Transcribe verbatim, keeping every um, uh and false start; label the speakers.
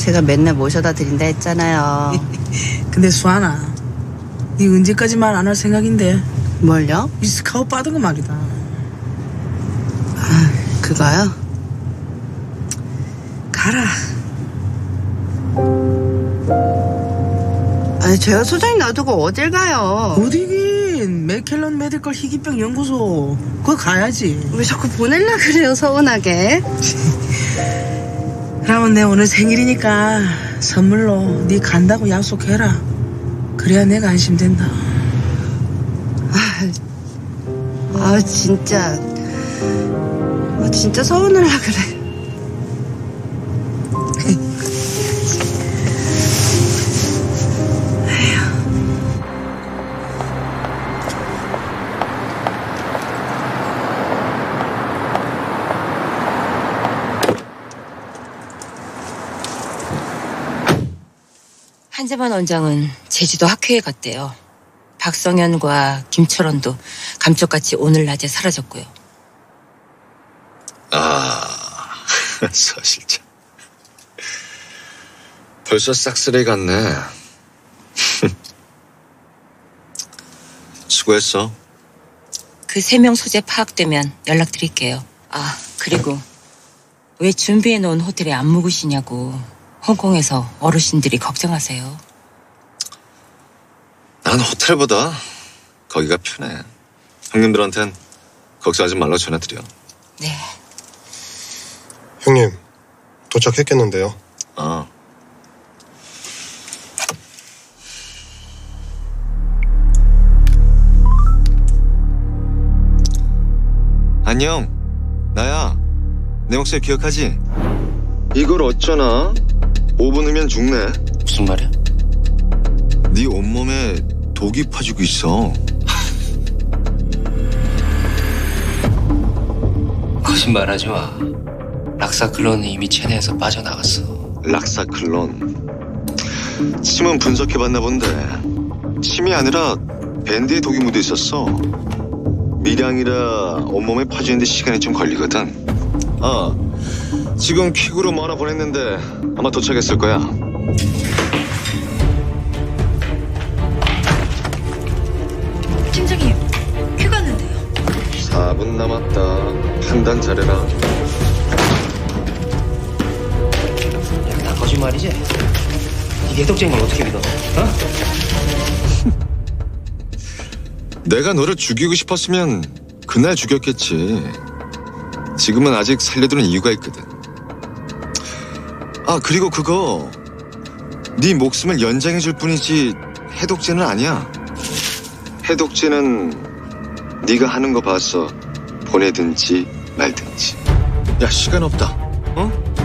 Speaker 1: 제가 맨날 모셔다 드린다 했잖아요.
Speaker 2: 근데 수아나, 네 언제까지 말 안 할 생각인데?
Speaker 1: 뭘요?
Speaker 2: 이 스카웃 받은 거 말이다.
Speaker 1: 아, 그거요?
Speaker 2: 가라.
Speaker 1: 아니, 제가 소장님 놔두고 어딜 가요?
Speaker 2: 어디긴 맥켈런 메디컬 희귀병 연구소. 그거 가야지.
Speaker 1: 왜 자꾸 보낼라 그래요, 서운하게?
Speaker 2: 그러면 내 오늘 생일이니까 선물로 네 간다고 약속해라. 그래야 내가 안심된다.
Speaker 1: 아, 아 진짜. 아, 진짜 서운하려 그래.
Speaker 3: 한재만 원장은 제주도 학회에 갔대요. 박성현과 김철원도 감쪽같이 오늘 낮에 사라졌고요.
Speaker 4: 아, 서 실장. 벌써 싹쓸이 갔네. 수고했어.
Speaker 3: 그 세 명 소재 파악되면 연락드릴게요. 아, 그리고 왜 준비해놓은 호텔에 안 묵으시냐고 홍콩에서 어르신들이 걱정하세요.
Speaker 4: 난 호텔보다 거기가 편해. 형님들한텐 걱정하지 말라고 전해드려.
Speaker 3: 네.
Speaker 5: 형님, 도착했겠는데요.
Speaker 4: 어. 안녕. 나야. 내 목소리 기억하지? 이걸 어쩌나? 오 분 후면 죽네.
Speaker 6: 무슨 말이야?
Speaker 4: 네 온몸에 독이 파지고 있어.
Speaker 6: 거짓말하지 마. 락사클론은 이미 체내에서 빠져나갔어.
Speaker 4: 락사클론. 침은 분석해봤나 본데 침이 아니라 밴드에 독이 묻어 있었어. 미량이라 온몸에 퍼지는데 시간이 좀 걸리거든. 아, 지금 퀵으로 뭐 하나 보냈는데 아마 도착했을 거야.
Speaker 7: 팀장님, 큐 갔는데요.
Speaker 4: 사 분 남았다. 판단 잘해라.
Speaker 6: 야, 다 거짓말이지? 이 개독쟁이 걸 어떻게 믿어? 어?
Speaker 4: 내가 너를 죽이고 싶었으면 그날 죽였겠지. 지금은 아직 살려두는 이유가 있거든. 아, 그리고 그거 네 목숨을 연장해줄 뿐이지 해독제는 아니야. 해독제는 네가 하는 거 봐서 보내든지 말든지. 야, 시간 없다. 어?